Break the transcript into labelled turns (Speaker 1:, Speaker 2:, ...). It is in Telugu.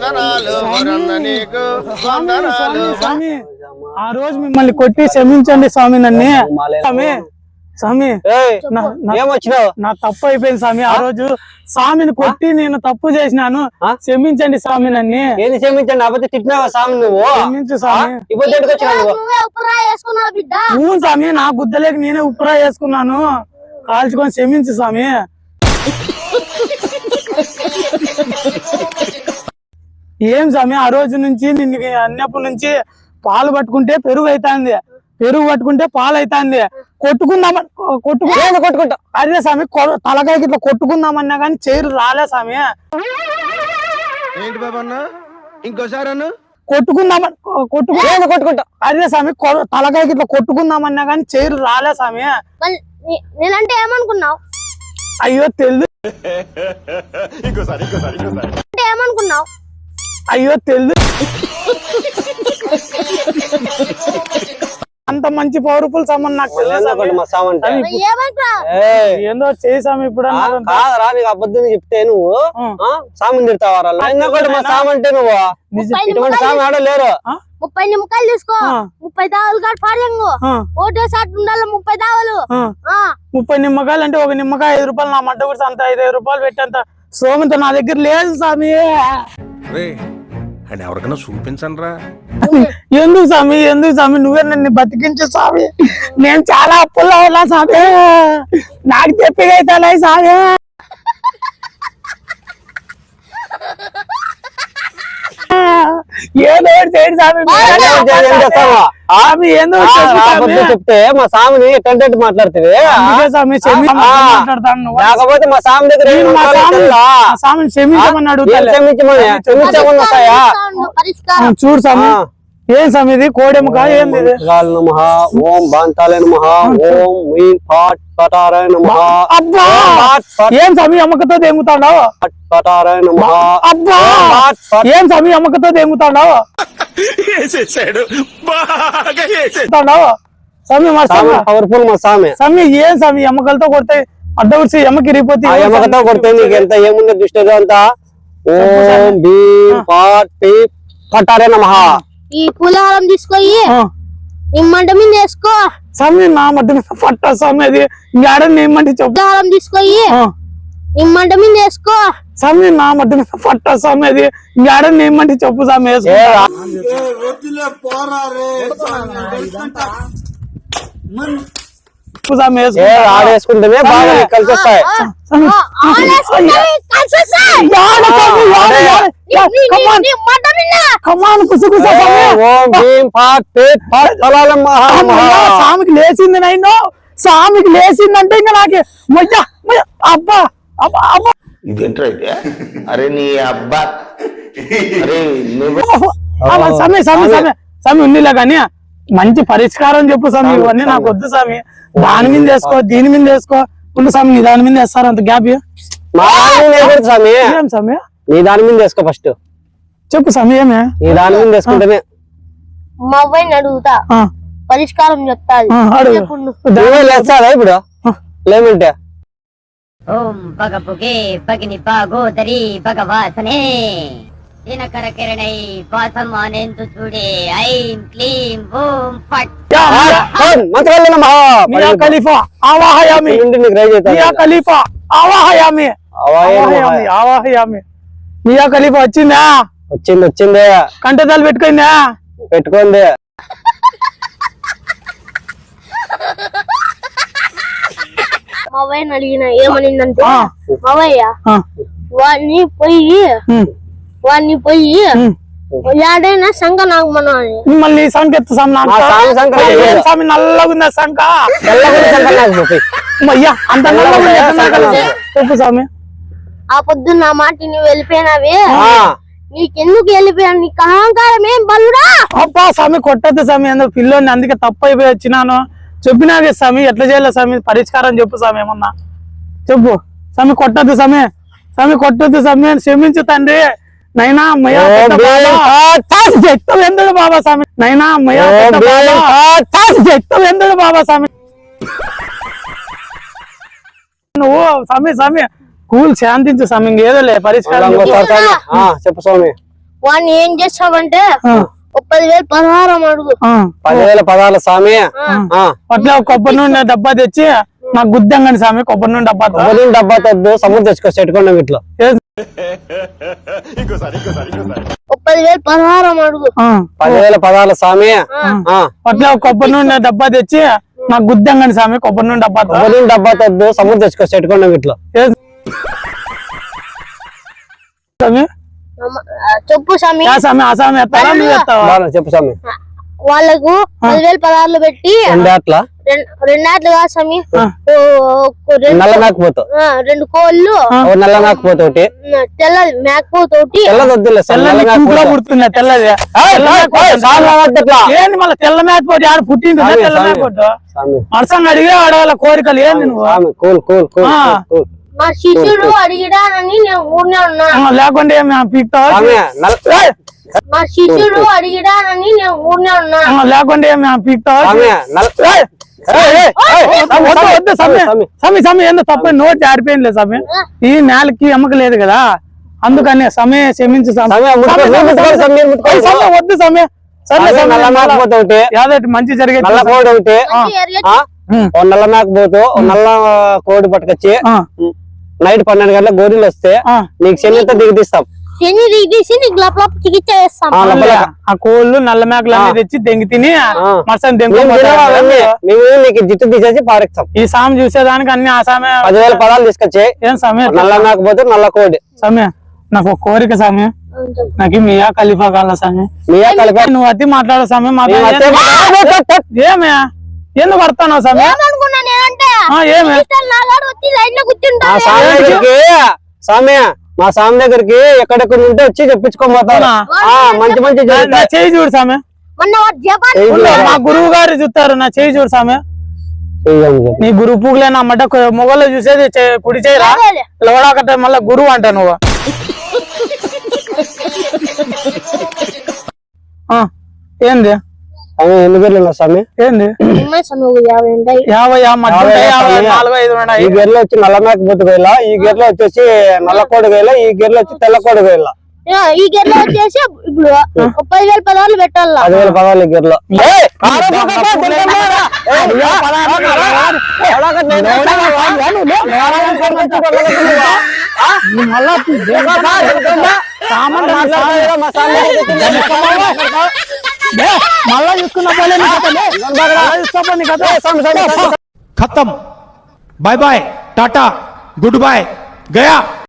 Speaker 1: ఆ రోజు మిమ్మల్ని కొట్టి క్షమించండి స్వామి నన్ను స్వామి స్వామి నా తప్పు అయిపోయింది స్వామి ఆ రోజు స్వామిని కొట్టి నేను తప్పు చేసినాను క్షమించండి స్వామి నన్ను
Speaker 2: ఏది క్షమించండి అబద్ధం తిట్టినావా స్వామి నువ్వు
Speaker 1: క్షమించు స్వామి స్వామి నా గుద్దలేక నేనే ఉప్పురా వేసుకున్నాను కాల్చుకొని క్షమించు స్వామి ఏం స్వామి ఆ రోజు నుంచి నిన్ను అన్నప్పటి నుంచి పాలు పట్టుకుంటే పెరుగు అవుతుంది పెరుగు పట్టుకుంటే పాలు అవుతుంది కొట్టుకుంటా అదే స్వామి తలకాయకి ఇట్లా కొట్టుకుందామన్నా కానీ చైరు రాలే స్వామి
Speaker 3: ఏంటి బాబా ఇంకోసారి
Speaker 1: కొట్టుకుంటా అదే స్వామి తలకాయకి ఇట్లా కొట్టుకుందామన్నా కానీ చైరు రాలే స్వామి
Speaker 4: నేనంటే ఏమనుకున్నావు
Speaker 1: అయ్యో తెలుసు
Speaker 4: ఏమనుకున్నావు
Speaker 1: అయ్యో తెలుసు అంత మంచి పవర్ఫుల్ సామాన్ నాకు ఏందో చేసాము ఇప్పుడు
Speaker 2: కాదరా నీకు అబద్ధం చెప్తే నువ్వు సామాన్ తిడతావారా మా సామంటే నువ్వు ఇటువంటి సామె ఆడలేరు
Speaker 4: 30 నిమ్మకాయలు తీసుకో 30 దావలు కాదు పాడలేంగు ఓటేసారి ఉండాలి 30 దావలు
Speaker 1: 30 నిమ్మకాయలు అంటే ఒక నిమ్మకాయ 5 రూపాయలు నా మడ్డ కూడా అంత 5 రూపాయలు పెట్టేంత సోమంత నా దగ్గర లేదు స్వామి
Speaker 3: అని ఎవరికైనా చూపించండి రా
Speaker 1: ఎందుకు స్వామి నువ్వే నన్ను బతికించు స్వామి నేను చాలా అప్పుల్లో ఉన్నా స్వామి నాకు తెప్పిగైతే స్వామి ఏదో
Speaker 2: చెప్తే మా సామిని ఎట్టంటే మాట్లాడుతుంది లేకపోతే మా సామి దగ్గర
Speaker 1: చూడు స్వామి ఏం స్వామి ఇది కోడెముక ఏంది
Speaker 2: నమః ఓం బాంతాలే నమః ఓం మీన్ పాట్ పటారాయ నమః
Speaker 1: అబ్బా ఏం స్వామి అమ్మకతో దేముతాడావు
Speaker 2: పటారాయ నమః
Speaker 1: అబ్బా ఏం స్వామి అమ్మకతో దేముతాడావు
Speaker 3: వేసేసాడు బాగా
Speaker 1: వేసేస్తాడావు స్వామి మా స్వామి
Speaker 2: పవర్ఫుల్ మా సామి
Speaker 1: స్వామి ఏం స్వామి ఎమ్మకలతో కొడితే అడ్డవచ్చి ఎమ్మకి రిపోతే
Speaker 2: ఎమ్మకతో కొడితే నీకు ఎంత ఏముంది దృష్టి అంతా ఓం భీం పాట్ పీప్ పటారాయ నమః
Speaker 4: ఈ పులిహారం తీసుకొని నిమ్మంట మీద వేసుకో
Speaker 1: స్వామి నా మధ్య మీద పట్ట స్వామి అది ఇంకాడ నిమ్మంటే చెప్పు
Speaker 4: పులిహారం తీసుకొని నిమ్మంట మీద వేసుకో
Speaker 1: స్వామి నా మధ్య మీద పట్ట స్వామి అది ఇంకాడ నిమ్మంటే చెప్పు స్వామి
Speaker 2: ఆడేసుకుంటేనే బాగా కలిసి వస్తాయి
Speaker 1: స్వామికి లేచింది నైన్ స్వామికి లేచిందంటే ఇంకా నాకు అబ్బా అబ్బా అబ్బా
Speaker 5: ఇదేంటైతే అరే నీ అబ్బా
Speaker 1: సమయ సమయ సమయ సమయ ఉందిలే కానీ మంచి పరిష్కారం చెప్పు స్వామి ఇవన్నీ నాకు వద్దు స్వామి దాని మీద వేసుకో దీని మీద వేసుకో ఉండు స్వామి నీ దాని మీద వేస్తారు అంత గ్యాప్
Speaker 2: స్వామి నీ దాని మీద వేసుకో ఫస్ట్
Speaker 1: చెప్పు సమయమే
Speaker 2: నీ దాని మీద వేసుకుంటేనే
Speaker 4: మా అబ్బాయిని అడుగుతా పరిష్కారం చెప్తాది
Speaker 2: ఇప్పుడు లేమంటే
Speaker 6: ఓం పగపుగే పగిని పాగోదరి భగవాసనే దినకర కిరణై వాసమానేందు చూడే ఐం క్లీం ఓం ఫట్
Speaker 2: మంత్రాలు నమః
Speaker 1: మియా ఖలీఫా ఆవాహయామి మియా ఖలీఫా ఆవాహయామి ఆవాహయామి మియా ఖలీఫా వచ్చిందా
Speaker 2: వచ్చింది
Speaker 1: కంటదాలు పెట్టుకుందా
Speaker 2: పెట్టుకోండి
Speaker 4: మా అబ్బాయిని అడిగిన ఏమనిందంటే మావయ్య వాడిని పోయి ఏడైనా శంఖ నాగమను అని
Speaker 1: మళ్ళీ సంఖ ఎత్తు స్వామి నల్లగా ఉందా శంఖ అయ్యా అంత చెప్పు స్వామి
Speaker 4: ఆ పొద్దు నా మాట నువ్వు వెళ్ళిపోయినావే నీకెందుకు వెళ్ళిపోయాను నీకు అహంకారం ఏం బలుడా
Speaker 1: అబ్బా స్వామి కొట్టద్దు స్వామి అందులో పిల్లోని అందుకే తప్పు అయిపోయి వచ్చినాను చెప్పినాగే స్వామి ఎట్లా చేయాలి స్వామి పరిష్కారం చెప్పు స్వామి ఏమన్నా చెప్పు స్వామి కొట్టద్దు స్వామి కొట్టద్దు స్వామి క్షమించు తండ్రి నైనా ఎందుడు బాబా స్వామి నైనా ఎందుడు బాబా స్వామి నువ్వు స్వామి కూల్ శాంతించు స్వామి ఇంకేదో లే పరిష్కారం
Speaker 2: చెప్పు స్వామి
Speaker 4: వాడిని ఏం చేస్తామంటే ఒక 10,000 పరిహారం అడుగు.
Speaker 2: 10,000 పదాల స్వామి.
Speaker 1: అట్లా కొబ్బరి నూనె డబ్బా తెచ్చి నాకు గుద్దంగండి స్వామి, కొబ్బరి నూనె డబ్బా
Speaker 2: కొబ్బరి డబ్బా తద్దు సముద్రం తెచ్చుకో చెట్టుకోండి ఇట్లా.
Speaker 4: ఒక 10,000 పరిహారం అడుగు.
Speaker 2: 10,000 పదాల స్వామి.
Speaker 1: అట్లా కొబ్బరి నూనె డబ్బా తెచ్చి నాకు గుద్దంగండి స్వామి, కొబ్బరి నూనె డబ్బా
Speaker 2: కొబ్బరి డబ్బా తద్దు సముద్రం తెచ్చుకో చెట్టుకోండి ఇట్లా.
Speaker 1: స్వామి
Speaker 4: చెప్పు స్వామి.
Speaker 1: స్వామి ఆ స్వామి ఎత్తారా నువ్వు ఎత్తావా?
Speaker 2: చెప్పు స్వామి.
Speaker 4: వాళ్ళకు 10,000 పదార్లు పెట్టి
Speaker 2: రెండేట్లా
Speaker 4: రెండాట్లు కాదు స్వామి,
Speaker 2: నల్ల మేకపోతు
Speaker 4: 2 కోళ్ళు,
Speaker 2: నల్ల మేకపోతు ఒకటి,
Speaker 4: తెల్ల మేకపోతు ఒకటి.
Speaker 2: తెల్లదొద్దులే
Speaker 1: పుడుతున్నా తెల్లది ఏంది మళ్ళీ తెల్ల మేకపోతే ఆడ పుట్టింది తెల్ల మేకపోతే మనసంగా అడిగే ఆడవాళ్ళ కోరికలు ఏంది నువ్వు?
Speaker 2: కూల్ కూల్ కూల్
Speaker 4: మా శిష్యుడు అడిగిడానని నేను ఊరినే ఉన్నా.
Speaker 1: లేకుంటే పీక్తావా?
Speaker 4: మా శిష్యుడు అడిగిడానని నేను ఊరినే ఉన్నా.
Speaker 1: లేకుంటే పీక్తావా? వద్దు సమయ సమయ ఏందో తప్ప నోటి ఆడిపోయింది సమయ. ఈ నేలకి ఎమ్మక లేదు కదా, అందుకని సమయ క్షమించు వద్దు సమయ. యాదటి మంచి జరిగే
Speaker 2: నల్ల కోడి ఒకటి, నల్ల మేకపోతు నల్ల కోడి పట్టుకొచ్చి నైట్ 12 గంటల గోరీలు వస్తే నీకు శనితో దిగదీస్తాం.
Speaker 4: శని దిగదీసి నీకు లపలప చికిత్స చేస్తాం.
Speaker 1: ఆ కోళ్ళు నల్ల మేకలు అన్ని తెచ్చి దెంగి తిని మసని
Speaker 2: మేము నీకు జిట్టు తీసేసి పారేస్తాం.
Speaker 1: ఈ సామె చూసేదానికి అన్ని ఆ సామె
Speaker 2: 10,000 పదాలు తీసుకొచ్చి
Speaker 1: ఏం సమయం
Speaker 2: నల్ల మేకపోతే నల్ల కోడి.
Speaker 1: సమయ నాకు ఒక కోరిక సమయం, నాకు మియా ఖలీఫా కాల సమయం.
Speaker 2: మియా ఖలీఫా
Speaker 1: నువ్వు అతి మాట్లాడే సమయం ఏమే ఎందుకు పడతావు సమయం?
Speaker 2: మా స్వామి దగ్గరికి ఎక్కడెక్కడ ఉంటే వచ్చి చెప్పించుకోబోతాను. మంచి మంచి
Speaker 1: చేయి చూడు సామె, మా గురువు గారు చూస్తారు నా చేయి చూడు సామె. నీ గురువు పూగులే నా మడ్డ మొగల్లో చూసేది కుడి చేయరా లోడాకట్టే మళ్ళా గురువు అంట నువ్వు. ఏంది
Speaker 2: ఎన్ని గేర్లు స్వామి?
Speaker 1: ఏంది
Speaker 4: 50
Speaker 2: ఈ గేర్లో వచ్చి నల్ల మేకపోతు గేల, ఈ గేర్లో వచ్చేసి నల్ల కోడి గేల, ఈ గేర్లో వచ్చి తెల్ల కోడి గేల.
Speaker 4: ఈ గేర్లో వచ్చేసి ఇప్పుడు 10,000 పదార్లు పెట్టాలా?
Speaker 2: 10,000 పదాలు ఈ గేర్లో.
Speaker 1: మళ్ళా చూసుకున్నా
Speaker 3: खत्म bye bye tata goodbye गया।